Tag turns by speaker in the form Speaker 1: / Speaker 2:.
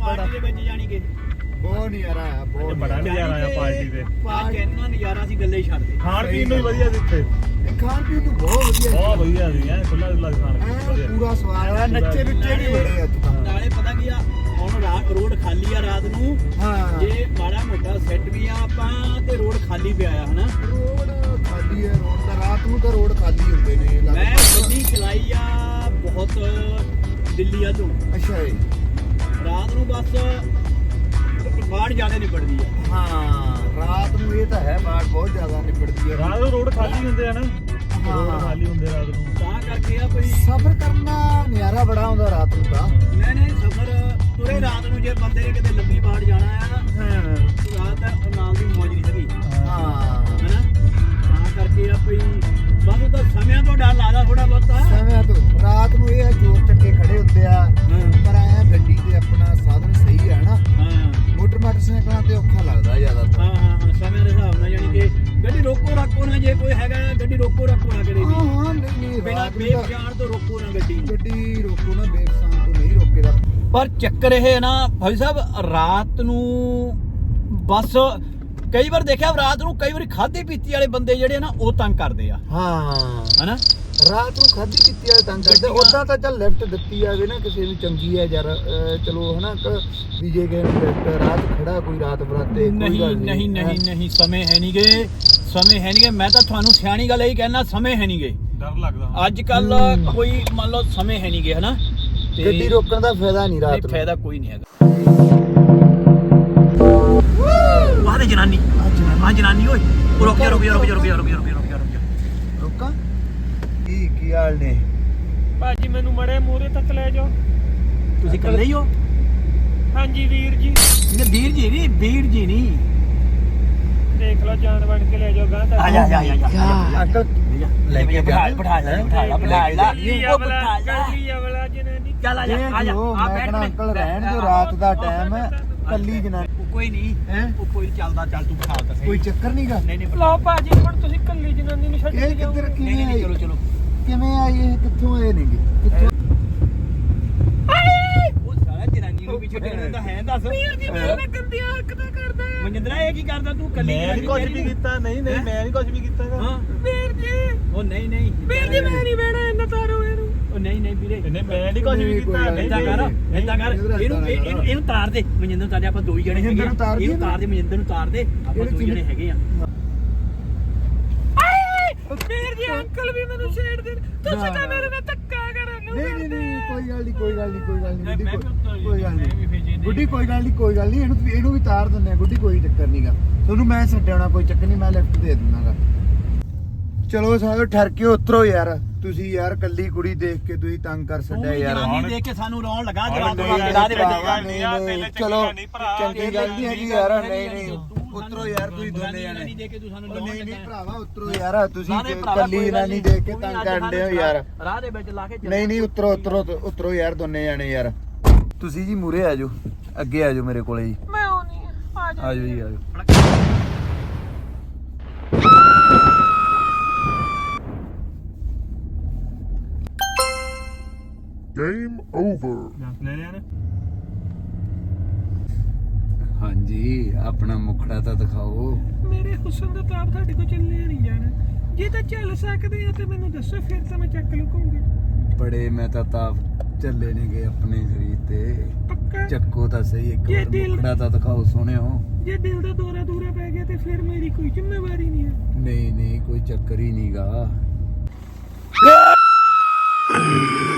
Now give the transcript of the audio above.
Speaker 1: Party ਦੇ ਵਿੱਚ ਜਾਣੀ ਕਿ
Speaker 2: ਬਹੁਤ ਨਜ਼ਾਰਾ ਆਇਆ, ਬਹੁਤ
Speaker 3: ਬੜਾ ਨਜ਼ਾਰਾ ਆਇਆ ਪਾਰਟੀ ਤੇ।
Speaker 1: ਕਿੰਨਾ ਨਜ਼ਾਰਾ ਸੀ ਗੱਲੇ ਹੀ ਛੱਡ ਦੇ।
Speaker 3: ਖਾਣ ਪੀਣ ਨੂੰ ਵੀ ਵਧੀਆ ਸੀ ਇੱਥੇ,
Speaker 2: ਇਹ ਖਾਣ ਪੀਣ ਨੂੰ ਬਹੁਤ ਵਧੀਆ
Speaker 3: ਬਹੁਤ ਵਧੀਆ ਸੀ ਐ ਖੁੱਲਾ ਖੁੱਲਾ ਖਾਣ ਪੀਣ ਵਧੀਆ।
Speaker 2: ਪੂਰਾ ਸਵਾਦ ਆ, ਨੱਚੇ ਨੁੱਚੇ ਵੀ ਬੜੇ ਅੱਜ ਤਾਂ।
Speaker 1: ਨਾਲੇ ਪਤਾ ਕੀ ਆ, ਹੁਣ ਰੋਡ ਖਾਲੀ ਆ ਰਾਤ ਨੂੰ,
Speaker 2: ਹਾਂ
Speaker 1: ਜੇ ਮਾੜਾ ਮੋਟਾ ਸੈੱਟ ਵੀ ਆ ਆਪਾਂ ਤੇ ਰੋਡ ਖਾਲੀ ਪਿਆ ਆ ਹਨਾ।
Speaker 2: ਰੋਡ ਖਾਲੀ ਹੈ, ਰੋਡ ਤਾਂ ਰਾਤ ਨੂੰ ਤਾਂ ਰੋਡ ਖਾਲੀ ਹੁੰਦੇ ਨੇ
Speaker 1: ਮੈਂ ਗੱਡੀ ਚਲਾਈ ਆ ਬਹੁਤ ਦਿੱਲੀ ਆ ਤੋਂ,
Speaker 2: ਅੱਛਾ ਜੀ।
Speaker 1: ਰਾਤ ਨੂੰ ਬਸ ਬਾੜ ਜ਼ਿਆਦਾ ਨਿਬੜਦੀ ਆ।
Speaker 2: ਹਾਂ ਰਾਤ ਨੂੰ ਇਹ ਤਾਂ ਹੈ, ਬਾੜ ਬਹੁਤ ਜ਼ਿਆਦਾ ਨਿਬੜਦੀ ਹੈ।
Speaker 3: ਰਾਤ ਨੂੰ ਰੋਡ ਖਾਲੀ ਹੁੰਦੇ ਆ ਨਾ,
Speaker 2: ਹਾਂ।
Speaker 3: ਰੋਡ ਖਾਲੀ ਹੁੰਦੇ ਰਾਤ ਨੂੰ,
Speaker 1: ਤਾਂ ਕਰਕੇ ਆ ਕੋਈ
Speaker 2: ਸਫ਼ਰ ਕਰਨਾ ਨਜ਼ਾਰਾ ਬੜਾ ਆਉਂਦਾ ਰਾਤ ਨੂੰ ਤਾਂ।
Speaker 1: ਨਹੀਂ ਸਫ਼ਰ ਤੁਰੇ ਰਾਤ ਨੂੰ, ਜੇ ਬੰਦੇ ਨੇ ਕਿਤੇ ਲੰਬੀ ਬਾੜ ਜਾਣਾ ਆ
Speaker 2: ਹਾਂ
Speaker 1: ਰਾਤ ਨਾਲ ਦੀ ਮੌਜ ਨਹੀਂ ਹੈਗੀ
Speaker 2: ਹਾਂ
Speaker 1: ਹਨਾ। ਤਾਂ ਕਰਕੇ ਆ ਕੋਈ ਬਸ ਉਹਦਾ ਸਮਿਆਂ ਤੋਂ ਡਰ ਲੱਗਦਾ ਥੋੜਾ ਬਹੁਤਾ।
Speaker 2: ਸਮੇਂ ਤੋਂ ਰਾਤ ਨੂੰ ਇਹ ਆ, ਚੋਰ ਚੱਕੇ ਖੜੇ ਹੁੰਦੇ ਆ, ਪਰ ਐ ਗੱਡੀ ਤੇ ਆਪਣਾ ਸਾਧਨ ਸਹੀ ਹੈ ਨਾ।
Speaker 1: ਹਾਂ
Speaker 2: ਮੋਟਰਸਾਈਕਲਾਂ ਤੇ ਔਖਾ ਲੱਗਦਾ ਜ਼ਿਆਦਾਤਰ।
Speaker 1: ਹਾਂ ਸਮੇਂ ਦੇ ਹਿਸਾਬ ਨਾਲ ਜਾਨੀ ਕਿ ਗੱਡੀ ਰੋਕੋ ਰੱਖੋ ਨਾ, ਜੇ ਕੋਈ ਹੈਗਾ ਗੱਡੀ ਰੋਕੋ ਰੱਖੋ ਨਾ ਕਰੇ ਵੀ
Speaker 2: ਹਾਂ ਨਹੀਂ
Speaker 1: ਬਿਨਾਂ
Speaker 2: ਰਾਤ ਨੂੰ
Speaker 1: ਬੇਫ
Speaker 2: ਤਾਂ
Speaker 1: ਜਾਣ ਤੋਂ ਰੋਕੋ ਨਾ ਗੱਡੀ।
Speaker 2: ਗੱਡੀ ਰੋਕੋ ਨਾ, ਬੇਫਸਾਨ ਤੋਂ ਨਹੀਂ ਰੋਕੇਦਾ।
Speaker 1: ਪਰ ਚੱਕਰ ਇਹ ਹੈ ਨਾ ਭਾਈ ਸਾਹਿਬ, ਰਾਤ ਨੂੰ ਬਸ ਕਈ ਵਾਰ ਦੇਖਿਆ ਰਾਤ ਨੂੰ ਕਈ ਵਾਰੀ ਖਾਧੀ ਪੀਤੀ ਵਾਲੇ ਬੰਦੇ ਜਿਹੜੇ ਨਾ ਉਹ ਤੰਗ ਕਰਦੇ ਆ
Speaker 2: ਹਾਂ
Speaker 1: ਹਨਾ।
Speaker 2: ਰਾਤ ਨੂੰ ਖਾਧੀ ਪੀਤੀ ਵਾਲੇ ਤੰਗ ਕਰਦੇ। ਉਦਾਂ ਤਾਂ ਚੱਲ ਲਿਫਟ ਦਿੱਤੀ ਜਾਵੇ ਨਾ ਕਿਸੇ ਨੂੰ, ਚੰਗੀ ਹੈ ਯਾਰ, ਚਲੋ ਹਨਾ ਵੀ ਜੇ ਕਿਸੇ ਨੂੰ ਲਿਫਟ ਰਾਤ ਖੜਾ ਕੋਈ ਰਾਤ ਬਰਾਤੇ
Speaker 1: ਨਹੀਂ ਸਮੇਂ ਹੈ ਨਹੀਂਗੇ, ਸਮੇਂ ਹੈ ਨਹੀਂਗੇ। ਮੈਂ ਤਾਂ ਤੁਹਾਨੂੰ ਸਿਆਣੀ ਗੱਲ ਇਹੀ ਕਹਿਣਾ, ਸਮੇਂ ਹੈ ਨਹੀਂਗੇ।
Speaker 3: ਡਰ ਲੱਗਦਾ
Speaker 1: ਅੱਜ ਕੱਲ ਕੋਈ ਮੰਨ ਲਓ ਸਮੇਂ ਹੈ ਨਹੀਂਗੇ ਹਨਾ। ਤੇ
Speaker 2: ਗੱਡੀ ਰੋਕਣ ਦਾ ਫਾਇਦਾ ਨਹੀਂ ਰਾਤ ਨੂੰ,
Speaker 1: ਫਾਇਦਾ ਕੋਈ ਨਹੀਂ ਹੈਗਾ। ਵਾਹ ਦੇ ਜਨਾਨੀ ਆ ਜਨਾਨੀ ਓਏ ਰੁਕ ਜਾ
Speaker 2: ਰੋਕਾਂ ਕੀ ਹਾਲ ਨੇ
Speaker 3: ਭਾਜੀ, ਮੈਨੂੰ ਮੜੇ ਮੂਹਰੇ ਤੱਕ ਲੈ ਜਾਓ।
Speaker 1: ਤੁਸੀਂ ਇਕੱਲੇ ਹੀ ਹੋ?
Speaker 3: ਹਾਂਜੀ ਵੀਰ ਜੀ,
Speaker 1: ਨਹੀਂ ਵੀਰ ਜੀ ਨਹੀਂ
Speaker 3: ਦੇਖ ਲਓ ਜਾਨ ਬਣ ਕੇ ਲੈ ਜਾਓ ਗਾਂ ਤੱਕ।
Speaker 1: ਆ ਜਾ
Speaker 2: ਅੰਕਲ
Speaker 1: ਲੈ ਕੇ ਬਿਠਾ ਲਾ
Speaker 3: ਉਹ ਬਿਠਾ ਲਾ ਅਵਲਾ ਜਨਾਨੀ।
Speaker 1: ਚੱਲ ਆ
Speaker 2: ਮੈਂ ਕਹਿੰਦਾ ਅੰਕਲ ਰਹਿਣ ਦਿਓ, ਰਾਤ ਦਾ ਟਾਈਮ ਹੈ, ਕੱਲੀ ਜਨਾਨੀ।
Speaker 1: ਕੋਈ ਨਹੀਂ
Speaker 2: ਹੈ
Speaker 1: ਉਹ ਕੋਈ ਚੱਲਦਾ, ਚੱਲ ਤੂੰ ਬਿਠਾ ਤਾ ਸਹੀ।
Speaker 2: ਕੋਈ ਚੱਕਰ ਨਹੀਂਗਾ।
Speaker 1: ਨਹੀਂ
Speaker 3: ਲਓ ਭਾਜੀ, ਹੁਣ ਤੁਸੀਂ ਕੱਲੀ ਜਨਾਨੀ ਨੂੰ ਛੱਡ
Speaker 2: ਇਹ
Speaker 3: ਕੇ ਜਾਓ।
Speaker 2: ਕਿੱਧਰ ਕਿਵੇਂ
Speaker 1: ਨਹੀਂ
Speaker 2: ਆਈ,
Speaker 1: ਚਲੋ
Speaker 2: ਕਿਵੇਂ ਆਈ, ਇਹ ਕਿੱਥੋਂ ਆਏ ਨੇਗੇ, ਕਿੱਥੋਂ?
Speaker 1: ਉਹ ਸਾਰਾ ਜਨਾਨੀ ਨੂੰ ਵੀ ਛੱਡਣ ਦਿੰਦਾ ਹੈ। ਦੱਸ ਵੀਰ ਜੀ ਮੈਂ ਗੰਦੀਆਂ ਹਰਕਤਾਂ ਕਰਦਾ। ਮਨਿੰਦਰਾ ਇਹ ਕੀ ਕਰਦਾ ਤੂੰ ਕੱਲੀ?
Speaker 3: ਮੈਂ ਨਹੀਂ ਕੁਝ ਵੀ ਕੀਤਾ, ਨਹੀਂ ਮੈਂ ਨਹੀਂ ਕੁਝ ਵੀ ਕੀਤਾ।
Speaker 1: ਹਾਂ ਵੀਰ ਜੀ, ਉਹ ਨਹੀਂ ਵੀਰ ਜੀ ਮੈਂ ਨਹੀਂ ਬਹਿਣਾ ਇਹਨਾਂ ਤਾਰੋ ਇਹਨੂੰ। ਉਹ ਨਹੀਂ ਵੀਰੇ
Speaker 3: ਨਹੀਂ ਮੈਂ ਨਹੀਂ ਕੁਝ ਵੀ ਕੀਤਾ।
Speaker 1: ਏਦਾਂ ਕਰ ਇਹਨੂੰ ਤਾਰ ਦੇ ਮਨਿੰਦਰ ਨੂੰ, ਤਾਰ ਦੇ। ਆਪਾਂ ਦੋ ਹੀ ਜਣੇ ਹੈਗੇ ਆ। ਇਹਨੂੰ ਤਾਰ ਦੇ, ਮਨਿੰਦਰ ਨੂੰ ਤਾਰ ਦੇ, ਆਪਾਂ ਦੋ ਹੀ ਜਣੇ ਹੈਗੇ ਆ। ਵੀਰ ਜੀ ਅੰਕਲ ਵੀ ਮੈਨੂੰ ਛੇੜ ਦੇਣ, ਤੁਸੀਂ ਤਾਂ ਮੇਰੇ ਨਾਲ ਧੱਕਾ ਕਰਨ ਨੂੰ।
Speaker 2: ਨਹੀਂ ਕੋਈ ਗੱਲ ਨਹੀਂ ਕੋਈ ਗੱਲ ਨਹੀਂ ਗੁੱਡੀ, ਕੋਈ ਗੱਲ ਨਹੀਂ ਇਹਨੂੰ ਵੀ ਤਾਰ ਦਿੰਦੇ ਆ ਗੁੱਡੀ, ਕੋਈ ਚੱਕਰ ਨਹੀਂਗਾ। ਤੁਹਾਨੂੰ ਮੈਂ ਛੱਡਣਾ, ਕੋਈ ਚੱਕਰ ਨਹੀਂ, ਮੈਂ ਲਿਫਟ ਦੇ ਦਿੰਦਾਗਾ। ਚਲੋ ਸਾਰੇ ਠਰ ਕੇ ਉਤਰੋ ਯਾਰ, ਤੁਸੀਂ ਯਾਰ ਕੱਲੀ ਕੁੜੀ ਦੇਖ ਕੇ ਤੁਸੀਂ ਤੰਗ ਕਰ ਛੱਡਿਆ ਯਾਰ।
Speaker 1: ਜਨਾਨੀ ਦੇਖ ਕੇ ਸਾਨੂੰ ਰੌਣ ਲੱਗਾ ਜਵਾਬ ਦੇ
Speaker 2: ਚਲੋ ਚੰਗੀ ਗੱਲ ਨਹੀਂ ਹੈਗੀ ਯਾਰ। ਨਹੀਂ ਉਤਰੋ ਯਾਰ, ਤੁਸੀਂ ਦੋਨੇ ਜਾਣੇ। ਨਹੀਂ ਭਰਾਵਾ ਉਤਰੋ ਯਾਰ, ਤੁਸੀਂ ਕੱਲੀ ਜਨਾਨੀ ਦੇਖ ਕੇ ਤੰਗ ਕਰਦੇ ਹੋ ਯਾਰ।
Speaker 1: ਰਾਹ ਦੇ ਵਿੱਚ ਲਾ ਕੇ
Speaker 2: ਨਹੀਂ ਉਤਰੋ ਯਾਰ ਦੋਨੇ ਜਾਣੇ ਯਾਰ। ਤੁਸੀਂ ਜੀ ਮੂਰੇ ਆ ਜਾਓ, ਅੱਗੇ ਆ ਜਾਓ ਮੇਰੇ ਕੋਲੇ ਜੀ।
Speaker 3: ਮੈਂ ਆਉਣੀ ਆ
Speaker 2: ਆ ਜਾਓ ਜੀ ਆ ਜਾਓ।
Speaker 4: Game over.
Speaker 3: ਲੈ ਲਿਆ ਨੇ।
Speaker 2: ਹਾਂਜੀ ਆਪਣਾ ਮੁਖੜਾ ਤਾਂ ਦਿਖਾਓ।
Speaker 3: ਮੇਰੇ ਹੁਸਨ ਦਾ ਤਾਪ ਤੁਹਾਡੇ ਕੋਲ ਚੱਲਿਆ ਨਹੀਂ ਜਾਣਾ। ਜੇ ਤਾਂ ਚੱਲ ਸਕਦੇ ਆ ਤੇ ਮੈਨੂੰ ਦੱਸੋ, ਫਿਰ ਤਾਂ ਮੈਂ ਚੱਕ ਲੂੰਗਾ।
Speaker 2: ਬੜੇ ਮੈਂ ਤਾਂ ਤਾਪ ਚੱਲੇ ਨੇਗੇ ਆਪਣੇ ਸਰੀਰ ਤੇ।
Speaker 3: ਪੱਕਾ
Speaker 2: ਚੱਕੋ ਤਾਂ ਸਹੀ, ਇੱਕ
Speaker 3: ਜੇ
Speaker 2: ਵਾਰ
Speaker 3: ਦਿਲ-
Speaker 2: ਮੁਖੜਾ ਤਾਂ ਦਿਖਾਓ ਸੋਹਣਿਓ।
Speaker 3: ਜੇ ਦਿਲ ਦਾ ਦੌਰਾ ਪੈ ਗਿਆ ਤੇ ਫਿਰ ਮੇਰੀ ਕੋਈ ਜ਼ਿੰਮੇਵਾਰੀ ਨਹੀਂ ਹੈ।
Speaker 2: ਨਹੀਂ ਕੋਈ ਚੱਕਰ ਹੀ ਨਹੀਂਗਾ।